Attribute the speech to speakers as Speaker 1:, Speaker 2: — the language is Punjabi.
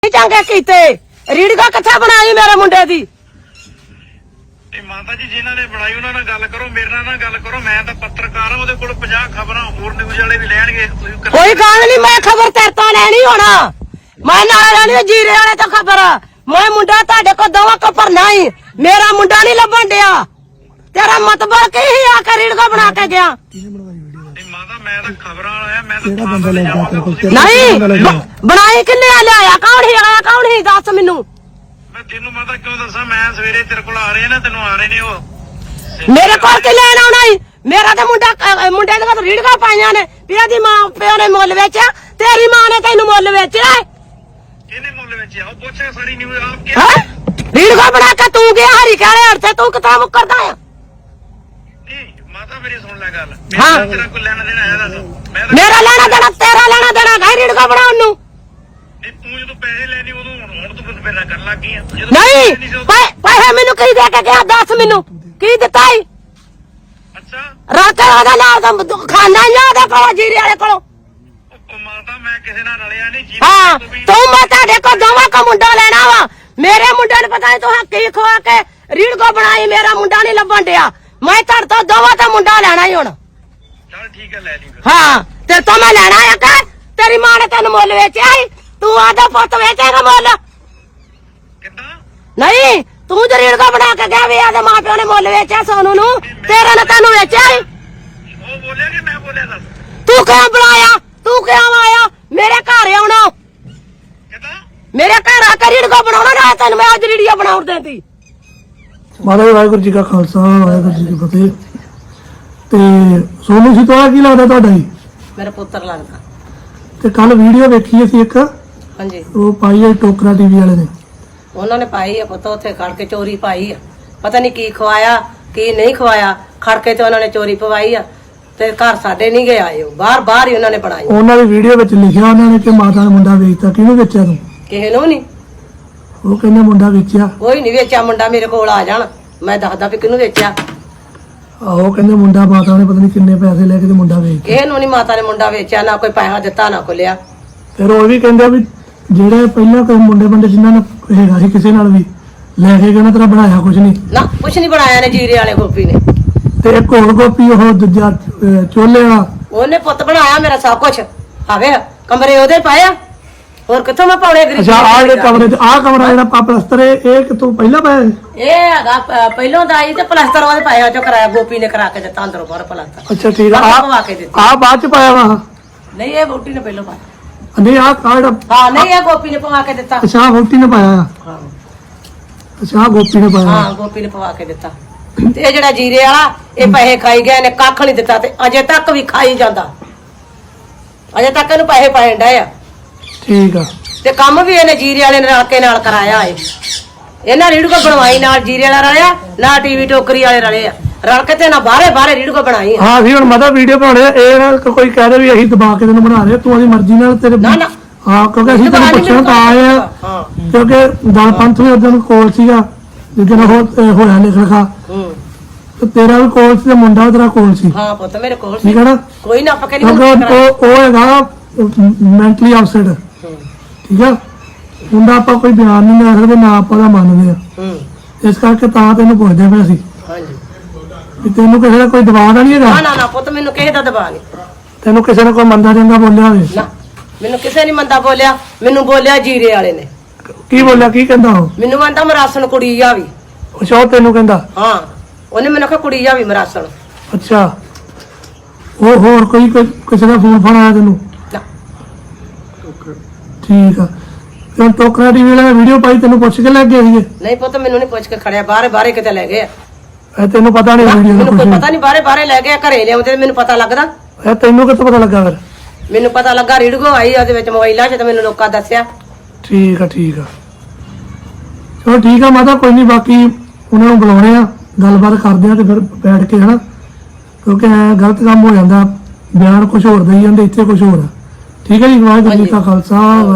Speaker 1: ਚੰਗੇ ਕੀਤੇ ਰੀੜਗਾ ਕਿੱਥੇ ਬਣਾਈ ਮੇਰੇ ਮੁੰਡੇ ਦੀ
Speaker 2: ਮਾਤਾ ਜੀ ਜਿਨ੍ਹਾਂ ਨੇ ਬਣਾਈ ਉਹਨਾਂ ਨਾਲ ਗੱਲ ਕਰੋ, ਮੇਰੇ ਨਾਲ ਗੱਲ ਕਰੋ। ਮੈਂ ਤਾਂ ਪੱਤਰਕਾਰ ਹਾਂ, ਉਹਦੇ ਕੋਲ 50 ਖਬਰਾਂ ਹੋਰ ਨਿਊਜ਼ ਵਾਲੇ ਵੀ ਲੈਣਗੇ।
Speaker 1: ਕੋਈ ਗੱਲ ਨਹੀਂ, ਮੈਂ ਖਬਰ ਤੇਰੇ ਤੋਂ ਲੈਣੀ ਹੋਣਾ। ਮੈਂ ਨਾਲ ਲੈਣੀ ਜੀਰੇ ਵਾਲੇ ਤੋਂ ਖਬਰ। ਮੈਂ ਮੁੰਡਾ ਤੁਹਾਡੇ ਕੋਲ ਦੋਵਾਂ ਕੋ ਪਰ ਨਹੀਂ, ਮੇਰਾ ਮੁੰਡਾ ਨਹੀਂ ਲੱਭਣ ਡਿਆ। ਤੇਰਾ ਮਤਲਬ ਕੀ ਹੀ ਆ ਕੇ ਰੀੜਗਾ ਬਣਾ ਕੇ ਗਿਆ?
Speaker 2: ਮਾਤਾ ਮੈਂ ਤਾਂ ਖਬਰਾਂ ਵਾਲਾ ਆ, ਮੈਂ ਤਾਂ
Speaker 1: ਨਹੀਂ ਬਣਾਈ ਕਿੰਨੇ ਲਿਆਇਆ? ਕੌਣ ਹੀ ਆਇਆ? ਕੌਣ ਹੀ ਦੱਸ ਮੈਨੂੰ।
Speaker 2: ਮੈਂ ਤੈਨੂੰ ਮਾਤਾ ਕਿਉਂ ਦੱਸਾਂ? ਮੈਂ ਸਵੇਰੇ ਤੇਰੇ ਕੋਲ ਆ ਰਹੇ ਨਾ, ਤੈਨੂੰ ਆ ਰਹੇ ਨੇ ਉਹ
Speaker 1: ਮੇਰੇ ਕੋਲ ਕਿ ਲੈਣ ਆਉਣਾ ਹੀ? ਮੇਰਾ ਤਾਂ ਮੁੰਡੇ ਦੇ ਕੋਲ ਰੀੜਗਾ ਪਾਈਆਂ ਨੇ। ਪਿਆ ਦੀ ਮਾਂ ਪਿਓ ਨੇ ਮੁੱਲ ਵੇਚਿਆ, ਤੇਰੀ ਮਾਂ ਨੇ ਤੈਨੂੰ ਮੁੱਲ ਵੇਚਿਆ।
Speaker 2: ਕਿਹਨੇ ਮੁੱਲ ਵੇਚਿਆ? ਉਹ ਪੁੱਛਿਆ ਸਾਰੀ ਨਿਊਜ਼ ਆਪ ਕੀ
Speaker 1: ਰੀੜਗਾ ਬਣਾ ਕੇ ਤੂੰ ਗਿਆ ਹਰੀ ਕਾਲੇ ਹੜ ਤੇ, ਤੂੰ ਕਿਤਾ ਮੁੱਕਰਦਾ ਆ?
Speaker 2: ਮਾਤਾ ਮੇਰੀ ਸੁਣ ਲੈ ਗੱਲ।
Speaker 1: ਹਾਂ।
Speaker 2: ਤੇਰਾ ਕੋਈ ਲੈਣਾ ਦੇਣਾ ਹੈ ਦੱਸ?
Speaker 1: ਮੇਰਾ ਲੈਣਾ ਦੇਣਾ ਤੇਰਾ ਲੈਣਾ ਦੇਣਾ ਗਾਇ ਰੀੜਗਾ ਬਣਾਉਣ ਨੂੰ।
Speaker 2: ਨਹੀਂ ਤੂੰ ਜਦੋਂ ਪੈਸੇ ਲੈਣੀ ਉਦੋਂ ਹੁਣ ਤੂੰ ਮੇਰੇ ਨਾਲ ਕਰਨ ਲੱਗ ਗਈ ਆ।
Speaker 1: ਨਹੀਂ ਪੈਸੇ ਮੈਨੂੰ ਕੀ ਦੇ ਕੇ ਗਿਆ? ਦੱਸ ਮੈਨੂੰ ਕੀ ਦਿੱਤਾ ਈ?
Speaker 2: ਅੱਛਾ
Speaker 1: ਰਾਤੇ ਉਹਦਾ ਨਾਲ ਦਾ ਖਾਣਾ ਹੀ ਉਹਦੇ ਕੋਲ ਜੀਰੇ ਵਾਲੇ ਕੋਲੋਂ।
Speaker 2: ਮਾਤਾ ਮੈਂ ਕਿਸੇ ਨਾਲ ਰਲਿਆ ਨਹੀਂ ਜੀ।
Speaker 1: ਹਾਂ ਤੂੰ ਮੈਂ ਤੁਹਾਡੇ ਕੋਲ ਦੋਵਾਂ ਕੋ ਮੁੰਡਾ ਲੈਣਾ ਵਾ। ਮੇਰੇ ਮੁੰਡੇ ਨੂੰ ਪਤਾ ਨਹੀਂ ਤੂੰ ਕੀ ਖਵਾ ਕੇ ਰੀੜਗੋ ਬਣਾਈ। ਮੇਰਾ ਮੁੰਡਾ ਨਹੀਂ ਲੱਭਣ ਡਿਆ। ਮੈਂ ਤੁਹਾਡੇ ਤੋਂ ਦੋਵਾਂ ਦਾ ਮੁੰਡਾ ਲੈਣਾ ਹੀ ਹੁਣ।
Speaker 2: ਚੱਲ ਠੀਕ ਹੈ ਲੈ ਲਈ ਫਿਰ।
Speaker 1: ਹਾਂ ਤੇ ਤੂੰ ਮੈਂ ਲੈਣਾ ਆ ਕਿ ਤੇਰੀ ਮਾਂ ਨੇ ਤੈਨੂੰ ਮੁੱਲ ਵੇਚਿਆ ਈ? ਤੂੰ ਆਦਾ ਪੁੱਤ ਵੇਚੇਗਾ ਮੁੱਲ?
Speaker 2: ਕਿੱਦਾਂ?
Speaker 1: ਨਹੀਂ ਤੂੰ ਜੇ ਰੀੜਗਾ ਬਣਾ ਕੇ ਗਿਆ ਵੀ ਆਦੇ ਮਾਂ ਪਿਓ ਨੇ ਮੁੱਲ ਵੇਚਿਆ ਸੋਨੂੰ ਨੂੰ, ਤੇਰੇ ਨੇ ਤੈਨੂੰ ਵੇਚਿਆ ਈ?
Speaker 2: ਉਹ ਬੋਲਿਆ ਕਿ ਮੈਂ ਬੋਲਿਆ ਦੱਸ?
Speaker 1: ਤੂੰ ਕਿਉਂ ਬੁਲਾਇਆ? ਤੂੰ ਕਿਉਂ ਆਇਆ ਮੇਰੇ ਘਰ? ਆਉਣਾ
Speaker 2: ਕਿੱਦਾਂ?
Speaker 1: ਮੇਰੇ ਘਰ ਆ ਕੇ ਰੀੜਗਾ ਬਣਾਉਣਾ ਨਾ ਤੈਨੂੰ ਮੈਂ ਅੱਜ ਰੀੜੀਆ ਬਣਾਉਣ ਦੇਂਦੀ।
Speaker 3: ਮਾਤਾ ਜੀ ਵਾਹਿਗੁਰੂ ਜੀ ਕਾ ਖਾਲਸਾ ਵਾਹਿਗੁਰੂ ਜੀ ਕੀ ਫਤਿਹ। ਤੇ ਸੋਨੂੰ ਸੀ ਤੁਹਾਡਾ ਕੀ ਲੱਗਦਾ ਤੁਹਾਡਾ ਜੀ?
Speaker 1: ਮੇਰਾ ਪੁੱਤਰ ਲੱਗਦਾ।
Speaker 3: ਤੇ ਕੱਲ ਵੀਡੀਓ ਵੇਖੀ ਅਸੀਂ ਇੱਕ,
Speaker 1: ਹਾਂਜੀ
Speaker 3: ਉਹ ਪਾਈ ਹੈ ਟੋਕਰਾ ਟੀਵੀ ਵਾਲੇ ਨੇ।
Speaker 1: ਉਹਨਾਂ ਨੇ ਪਾਈ ਆ ਪੁੱਤ, ਉੱਥੇ ਖੜ ਕੇ ਚੋਰੀ ਪਾਈ ਆ। ਪਤਾ ਨਹੀਂ ਕੀ ਖਵਾਇਆ ਕੀ ਨਹੀਂ ਖਵਾਇਆ, ਖੜ ਕੇ ਤੇ ਉਹਨਾਂ ਨੇ ਚੋਰੀ ਪਵਾਈ ਆ। ਤੇ ਘਰ ਸਾਡੇ ਨਹੀਂ ਗਏ ਆਏ, ਬਾਹਰ ਹੀ ਉਹਨਾਂ ਨੇ ਬਣਾਈ।
Speaker 3: ਉਹਨਾਂ ਦੀ ਵੀਡੀਓ ਵਿੱਚ ਲਿਖਿਆ ਉਹਨਾਂ ਨੇ ਕਿ ਮਾਤਾ ਦਾ ਮੁੰਡਾ ਵੇਚਤਾ। ਕਿਹਨੂੰ ਵੇਚਿਆ ਤੂੰ?
Speaker 1: ਕਿਸੇ ਨੂੰ ਨਹੀਂ।
Speaker 3: ਉਹ ਕਹਿੰਦੇ ਮੁੰਡਾ ਵੇਚਿਆ।
Speaker 1: ਕੋਈ ਨਹੀਂ ਵੇਚਿਆ ਮੁੰਡਾ, ਮੇਰੇ ਕੋਲ ਆ ਜਾਣ ਮੈਂ ਦੱਸਦਾ ਵੀ ਕਿਹਨੂੰ ਵੇਚਿਆ।
Speaker 3: ਆਹੋ ਕਹਿੰਦੇ ਮੁੰਡਾ ਮਾਤਾ ਨੇ ਪਤਾ ਨਹੀਂ ਕਿੰਨੇ ਪੈਸੇ ਲੈ ਕੇ ਤੇ ਮੁੰਡਾ ਵੇਚਤਾ।
Speaker 1: ਕਿਸੇ ਨੂੰ ਨਹੀਂ ਮਾਤਾ ਨੇ ਮੁੰਡਾ ਵੇਚਿਆ, ਨਾ ਕੋਈ ਪੈਸਾ ਦਿੱਤਾ ਨਾ ਕੋਈ ਲਿਆ।
Speaker 3: ਫਿਰ ਉਹ ਵੀ ਕਹਿੰਦੇ ਵੀ ਜਿਹੜੇ ਪਹਿਲਾਂ ਕੋਈ ਮੁੰਡੇ ਜਿਨ੍ਹਾਂ ਨੇ ਹੈਗਾ ਸੀ ਕਿਸੇ ਨਾਲ ਵੀ ਲੈ ਕੇ ਗਏ ਨਾ, ਤੇਰਾ ਬਣਾਇਆ ਕੁਝ ਨਹੀਂ
Speaker 1: ਨਾ ਕੁਛ ਨਹੀਂ ਬਣਾਇਆ ਨੇ ਜੀਰੇ ਵਾਲੇ ਗੋਪੀ ਨੇ।
Speaker 3: ਤੇ ਇੱਕ ਹੋਰ ਗੋਪੀ ਉਹ ਦੂਜਾ ਚੋਲੇ ਵਾਲਾ,
Speaker 1: ਉਹਨੇ ਪੁੱਤ ਬਣਾਇਆ ਮੇਰਾ ਸਭ ਕੁਛ। ਆਵੇ ਕਮਰੇ ਉਹਦੇ ਪਾਇਆ, ਹੋਰ ਕਿੱਥੋਂ ਮੈਂ ਪਾਉਣੇ ਗਰੀਬ?
Speaker 3: ਅੱਛਾ ਆਹ ਜਿਹੜੇ ਕਮਰੇ ਚ ਆਹ ਕਮਰਾ ਜਿਹੜਾ ਪਲਸਤਰ ਇਹ ਕਿਤੋਂ ਪਹਿਲਾਂ ਪਾਇਆ?
Speaker 1: ਇਹ ਹੈਗਾ ਪਹਿਲੋਂ ਦਾ ਆਈ ਤੇ ਪਲਸਤਰ ਉਹਦੇ ਪਾਇਆ ਚੋਂ ਕਰਾਇਆ, ਗੋਪੀ ਨੇ ਕਰਾ ਕੇ ਦਿੱਤਾ ਅੰਦਰੋਂ ਬਾਹਰ ਪਲਸਤਰ।
Speaker 3: ਅੱਛਾ ਠੀਕ ਆ।
Speaker 1: ਪਵਾ ਕੇ ਦਿੱਤੀ।
Speaker 3: ਆਹ ਬਾਅਦ ਚ ਪਾਇਆ ਵਾ?
Speaker 1: ਨਹੀਂ ਇਹ ਵੋਟੀ ਨੇ ਪਹਿਲੋਂ ਪਾਇਆ।
Speaker 3: ਨਹੀਂ ਆਹ ਜਿਹੜਾ
Speaker 1: ਹਾਂ ਨਹੀਂ ਇਹ ਗੋਪੀ ਨੇ ਪਵਾ ਕੇ ਦਿੱਤਾ।
Speaker 3: ਅੱਛਾ ਵੋਟੀ ਨੇ ਪਾਇਆ ਆ?
Speaker 1: ਹਾਂ
Speaker 3: ਅੱਛਾ ਆਹ ਗੋਪੀ ਨੇ ਪਾਇਆ।
Speaker 1: ਹਾਂ ਗੋਪੀ ਨੇ ਪਵਾ ਕੇ ਦਿੱਤਾ। ਤੇ ਇਹ ਜਿਹੜਾ ਜੀਰੇ ਵਾਲਾ ਇਹ ਪੈਸੇ ਖਾਈ ਗਿਆ, ਇਹਨੇ ਕੱਖ ਨਹੀਂ ਦਿੱਤਾ ਤੇ ਅਜੇ ਤੱਕ ਵੀ ਖਾਈ ਜਾਂਦਾ। ਅਜੇ ਤੱਕ ਇਹਨੂੰ ਪੈਸੇ ਪਾਣ ਡਏ ਆ।
Speaker 3: ਠੀਕ ਆ।
Speaker 1: ਤੇ ਕੰਮ ਵੀ ਇਹਨੇ ਜੀਰੇ ਵਾਲੇ ਨੇ ਰਲ ਕੇ ਨਾਲ ਕਰਾਇਆ ਏ। ਇਹਨਾਂ ਰੀੜਗੋ ਬਣਵਾਈ, ਨਾਲ ਜੀਰੇ ਵਾਲਾ ਰਲਿਆ, ਨਾਲ ਟੀਵੀ ਟੋਕਰੀ ਵਾਲੇ ਰਲੇ ਆ, ਰਲ ਕੇ ਤੇ ਨਾ ਬਾਹਰੇ ਰੀੜਗੋ ਬਣਾਈ।
Speaker 3: ਹਾਂ ਅਸੀਂ ਹੁਣ ਮਤਲਬ ਵੀਡੀਓ ਬਣਾਉਣੇ ਆ, ਇਹ ਨਾ ਕੋਈ ਕਹਿ ਦੇ ਵੀ ਅਸੀਂ ਦਬਾ ਕੇ ਤੈਨੂੰ ਬਣਾ ਰਹੇ, ਤੂੰ ਆਪਣੀ ਮਰਜ਼ੀ ਨਾਲ ਤੇਰੇ
Speaker 1: ਨਾ ਨਾ
Speaker 3: ਹਾਂ ਕਿਉਂਕਿ ਅਸੀਂ ਤੈਨੂੰ ਪੁੱਛਣ ਤਾਂ ਆਏ ਆ।
Speaker 1: ਹਾਂ
Speaker 3: ਕਿਉਂਕਿ ਦਲ ਪੰਥ ਵੀ ਉਦੋਂ ਕੋਲ ਸੀਗਾ ਜਿੱਦਣ ਹੋਇਆ ਲਿਖ ਲਿਖਾ, ਤੇ ਤੇਰਾ ਵੀ ਕੋਲ ਸੀ ਤੇ ਮੁੰਡਾ ਤੇਰਾ ਕੋਲ ਸੀ।
Speaker 1: ਹਾਂ ਪੁੱਤ ਮੇਰੇ ਕੋਲ
Speaker 3: ਠੀਕ ਹੈ ਨਾ?
Speaker 1: ਕੋਈ ਨਾ ਪੱਕੇ
Speaker 3: ਕਿਉਂਕਿ ਉਹ ਹੈਗਾ ਮੈਂਟਲੀ ਅਪਸੈਟ। ਠੀਕ ਆ। ਮੁੰਡਾ ਆਪਾਂ ਕੋਈ ਬਿਆਨ ਨਹੀਂ ਲੈ ਸਕਦੇ, ਨਾ ਆਪਾਂ ਦਾ ਮੰਨਦੇ ਆ। ਇਸ ਕਰਕੇ ਤਾਂ ਤੈਨੂੰ ਪੁੱਛਦੇ ਪਏ ਸੀ
Speaker 1: ਹਾਂਜੀ
Speaker 3: ਵੀ ਤੈਨੂੰ ਕਿਸੇ ਦਾ ਕੋਈ ਦਬਾਅ ਤਾਂ ਨਹੀਂ ਹੈਗਾ?
Speaker 1: ਨਾ ਪੁੱਤ ਮੈਨੂੰ ਕਿਸੇ ਦਾ ਦਬਾਅ ਨਹੀਂ।
Speaker 3: ਤੈਨੂੰ ਕਿਸੇ ਨੇ ਕੋਈ ਮੰਦਾ ਚੰਗਾ ਬੋਲਿਆ ਹੋਵੇ?
Speaker 1: ਨਾ ਮੈਨੂੰ ਕਿਸੇ ਨੇ ਮੰਦਾ ਬੋਲਿਆ, ਮੈਨੂੰ ਬੋਲਿਆ ਜੀਰੇ ਵਾਲੇ ਨੇ।
Speaker 3: ਕੀ ਬੋਲਿਆ? ਕੀ ਕਹਿੰਦਾ ਉਹ?
Speaker 1: ਮੈਨੂੰ ਆਂਦਾ ਮਰਾਸਣ ਕੁੜੀ ਜਾਵੀ।
Speaker 3: ਅੱਛਾ ਉਹ ਤੈਨੂੰ ਕਹਿੰਦਾ?
Speaker 1: ਹਾਂ ਉਹਨੇ ਮੈਨੂੰ ਕਿਹਾ ਕੁੜੀ ਜਾਵੀ ਮਰਾਸਣ।
Speaker 3: ਅੱਛਾ ਉਹ ਹੋਰ ਕੋਈ ਕਿਸੇ ਦਾ ਫੋਨ ਆਇਆ ਤੈਨੂੰ?
Speaker 1: ਨਾ
Speaker 3: ਠੀਕ ਆ। ਤੇ ਟੋਕਰਾ ਟੀਵੀ ਵਾਲਾ ਵੀਡੀਓ ਪਾਈ, ਤੈਨੂੰ ਪੁੱਛ ਕੇ ਲੈ ਗਏ ਸੀਗੇ?
Speaker 1: ਨਹੀਂ ਪੁੱਤ ਮੈਨੂੰ ਨਹੀਂ ਪੁੱਛ ਕੇ ਖੜਿਆ, ਬਾਹਰੇ ਕਿਤੇ ਲੈ ਗਏ।
Speaker 3: ਇਹ ਤੈਨੂੰ ਪਤਾ ਨਹੀਂ ਵੀਡੀਓ ਦਾ
Speaker 1: ਮੈਨੂੰ ਕੋਈ
Speaker 3: ਕੁਛ?
Speaker 1: ਪਤਾ ਨਹੀਂ, ਬਾਹਰੇ ਲੈ ਗਏ, ਘਰੇ ਲਿਆਉਂਦੇ ਮੈਨੂੰ ਪਤਾ ਲੱਗਦਾ।
Speaker 3: ਇਹ ਤੈਨੂੰ ਕਿੱਥੋਂ ਪਤਾ ਲੱਗਾ ਫਿਰ?
Speaker 1: ਮੈਨੂੰ ਪਤਾ ਲੱਗਾ ਰੀੜਗੋ ਆਈ ਉਹਦੇ ਵਿੱਚ ਮੋਬਾਈਲਾਂ 'ਚ, ਤੇ ਮੈਨੂੰ ਲੋਕਾਂ ਦੱਸਿਆ।
Speaker 3: ਠੀਕ ਆ ਠੀਕ ਆ। ਚਲੋ ਠੀਕ ਆ ਮਾਤਾ, ਕੋਈ ਨਹੀਂ, ਬਾਕੀ ਉਹਨਾਂ ਨੂੰ ਬੁਲਾਉਣੇ ਆ, ਗੱਲਬਾਤ ਕਰਦੇ ਆ ਤੇ ਫਿਰ ਬੈਠ ਕੇ, ਹਨਾ? ਕਿਉਂਕਿ ਗਲਤ ਕੰਮ ਹੋ ਜਾਂਦਾ, ਬਿਆਨ ਕੁਝ ਹੋਰ ਦੇਈ ਜਾਂਦੇ, ਇੱਥੇ ਕੁਝ ਹੋਰ ਆ। ਠੀਕ ਹੈ ਜੀ। ਵਾਹਿਗੁਰੂ ਜੀ ਕਾ ਖਾਲਸਾ।